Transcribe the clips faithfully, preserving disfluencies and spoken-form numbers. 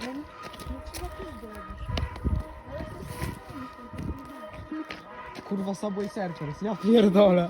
Kurwa, Subway Surfers, ja pierdolę.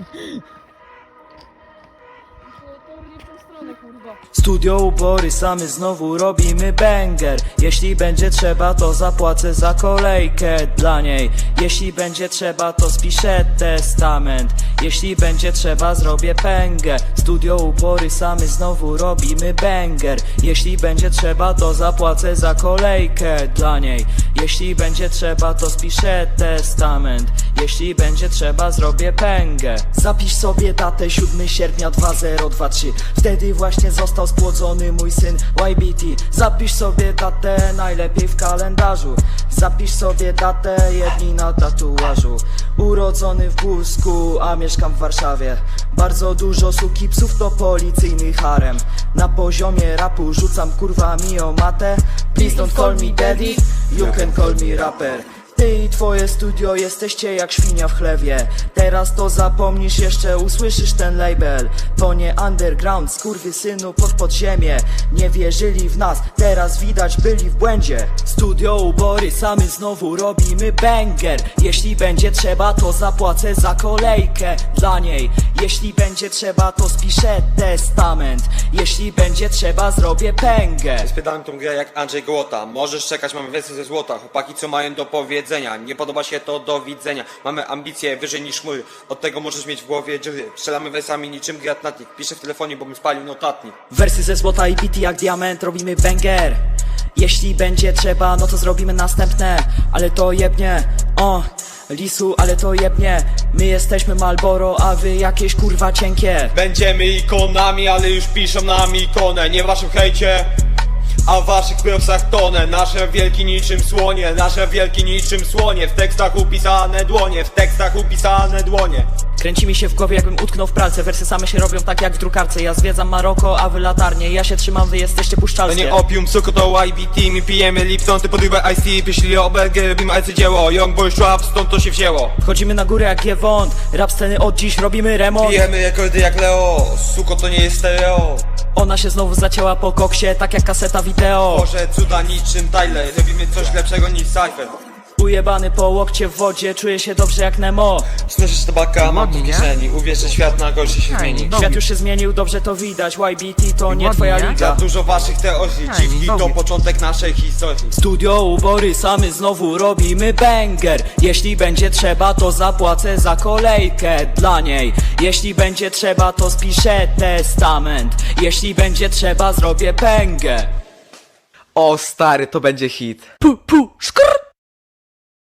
Studio Ubory, samy znowu robimy banger. Jeśli będzie trzeba, to zapłacę za kolejkę dla niej. Jeśli będzie trzeba, to spiszę testament. Jeśli będzie trzeba, zrobię pęgę. Studio Ubory, samy znowu robimy banger. Jeśli będzie trzeba, to zapłacę za kolejkę dla niej. Jeśli będzie trzeba, to spiszę testament. Jeśli będzie trzeba, zrobię pęgę. Zapisz sobie datę siódmego sierpnia dwa zero dwa trzy. Wtedy właśnie został spłodzony mój syn Y B T. Zapisz sobie datę najlepiej w kalendarzu. Zapisz sobie datę jedni na tatuażu. Urodzony w Busku, a mieszkam w Warszawie. Bardzo dużo suki psów to policyjny harem. Na poziomie rapu rzucam kurwami o matę. Please don't call me daddy, you can call me rapper. Ty i twoje studio jesteście jak świnia w chlewie. Teraz to zapomnisz, jeszcze usłyszysz ten label. To nie underground, skurwysynu pod podziemie. Nie wierzyli w nas, teraz widać byli w błędzie. Studio Ubory, samy znowu robimy banger. Jeśli będzie trzeba, to zapłacę za kolejkę dla niej. Jeśli będzie trzeba, to spiszę testament. Jeśli będzie trzeba, zrobię pęgę. Spytałem tą grę jak Andrzej Gołota. Możesz czekać, mamy wersję ze złota. Chłopaki co mają do powiedzenia. Nie podoba się to, do widzenia. Mamy ambicje wyżej niż chmury. Od tego możesz mieć w głowie dziury. Strzelamy wersami niczym gratnatnik. Piszę w telefonie, bo bym spalił notatnik. Wersy ze złota i bity jak diament, robimy banger. Jeśli będzie trzeba, no to zrobimy następne. Ale to jebnie, o Lisu, ale to jebnie. My jesteśmy Marlboro, a wy jakieś kurwa cienkie. Będziemy ikonami, ale już piszą nam ikonę. Nie w waszym hejcie, a w waszych prosach tonę. Nasze wielki niczym słonie, nasze wielki niczym słonie. W tekstach upisane dłonie, w tekstach upisane dłonie. Kręci mi się w głowie, jakbym utknął w pralce. Wersy same się robią tak jak w drukarce. Ja zwiedzam Maroko, a wy latarnie. Ja się trzymam, wy jesteście To puszczalskie. nie opium, suko to Y B T. My pijemy Lipton, ty podrywaj Ice Tea. Pieśli o Belgię, robimy arcydzieło. Young Boy Schwab, stąd to się wzięło. Wchodzimy na górę jak Giewont. Rap sceny od dziś, robimy remont. Pijemy rekordy jak Leo, suko to nie jest stereo. Ona się znowu zacięła po koksie, tak jak kaseta wideo. Boże cuda niczym Tyler, robimy coś lepszego niż Cypher. Ujebany po łokcie w wodzie, czuję się dobrze jak Nemo. Snosisz tabaka, mam to w Ładnie, nie? kieszeni. Uwierz, że świat na gorszy się zmieni. Ej, Świat już się zmienił, dobrze to widać. Y B T to nie Ładnie, twoja nie? Za liga. dużo waszych teorii, Ej, dziwki to dobry. początek naszej historii. Studio Ubory, samy znowu robimy banger. Jeśli będzie trzeba, to zapłacę za kolejkę dla niej. Jeśli będzie trzeba, to spiszę testament. Jeśli będzie trzeba, zrobię pęgę. O stary, to będzie hit. Pu, pu, szkr.